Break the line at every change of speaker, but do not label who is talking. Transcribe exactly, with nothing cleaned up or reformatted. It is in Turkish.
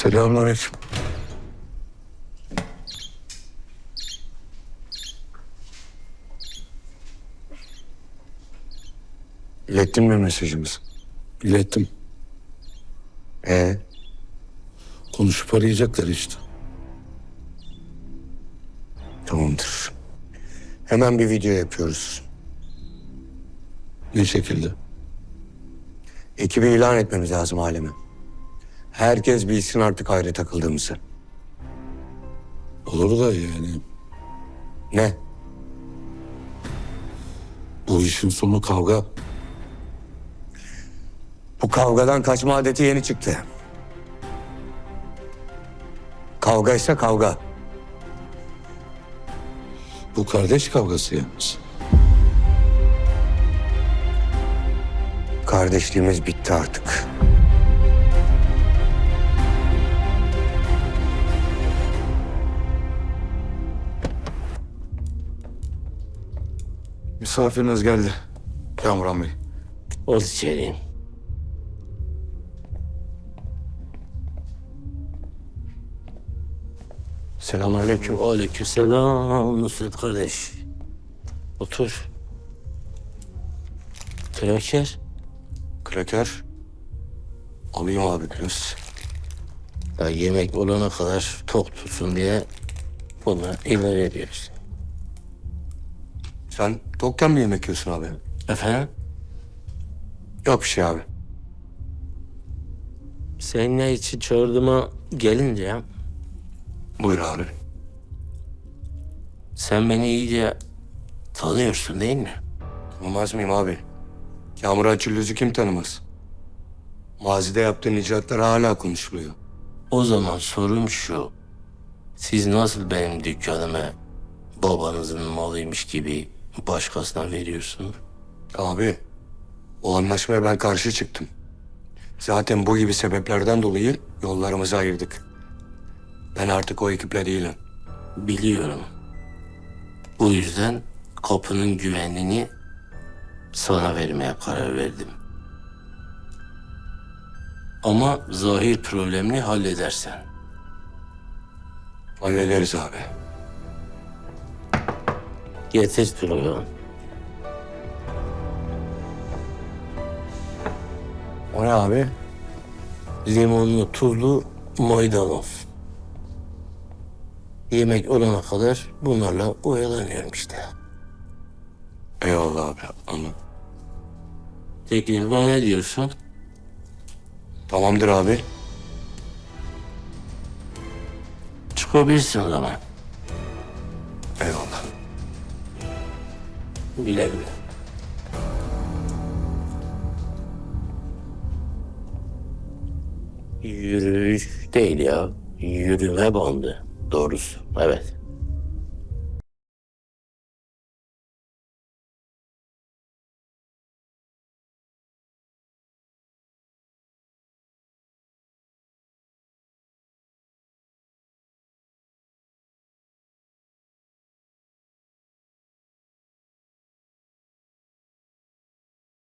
Selamünaleyküm.
İlettin mi mesajımızı?
İlettim.
Ee,
Konuşup arayacaklar işte.
tamamdır. Hemen bir video yapıyoruz.
Ne şekilde?
Ekibi ilan etmemiz lazım aleme. Herkes bilsin artık ayrı takıldığımızı.
Olur da yani
Ne?
bu işin sonu kavga.
Bu kavgadan kaçma adeti yeni çıktı. Kavga ise kavga.
Bu kardeş kavgası yalnız.
Kardeşliğimiz bitti artık.
Misafiriniz geldi. Kamuran Bey.
Ol içeri.
Selamünaleyküm.
Aleykümselam Nusret kardeş. Otur. Kraker.
Kraker. Alayım abi biraz.
Ya yemek olana kadar tok tutsun diye bunu ilave ediyoruz.
Sen tokken mi yemek yiyorsun abi?
Efendim?
Yok bir şey abi.
Sen ne için çağırdığıma gelince ya,
Buyur abi.
sen beni iyice tanıyorsun değil mi?
Tanımaz mıyım abi? Kamuran Çüllüz'ü kim tanımaz? Mazide yaptığın icraatlar hala konuşuluyor.
O zaman sorum şu. Siz nasıl benim dükkanımı babanızın malıymış gibi başkasına veriyorsunuz?
Abi, o anlaşmaya ben karşı çıktım. Zaten bu gibi sebeplerden dolayı yollarımızı ayırdık. Ben artık o ekiple değilim.
Biliyorum. Bu yüzden kapının güvenliğini sana vermeye karar verdim. Ama zahir problemini halledersen.
Hallederiz abi.
Getir pilavı.
O ne abi?
Limonlu, tuzlu maydanoz. Yemek olana kadar bunlarla oyalanıyorum işte.
Eyvallah abi, anladım.
Teklifime ne diyorsun?
Tamamdır abi.
Çıkabilirsin o zaman.
Eyvallah.
Güle güle. Yürüyüş değil ya. Yürüme bandı. Doğrusu. Evet.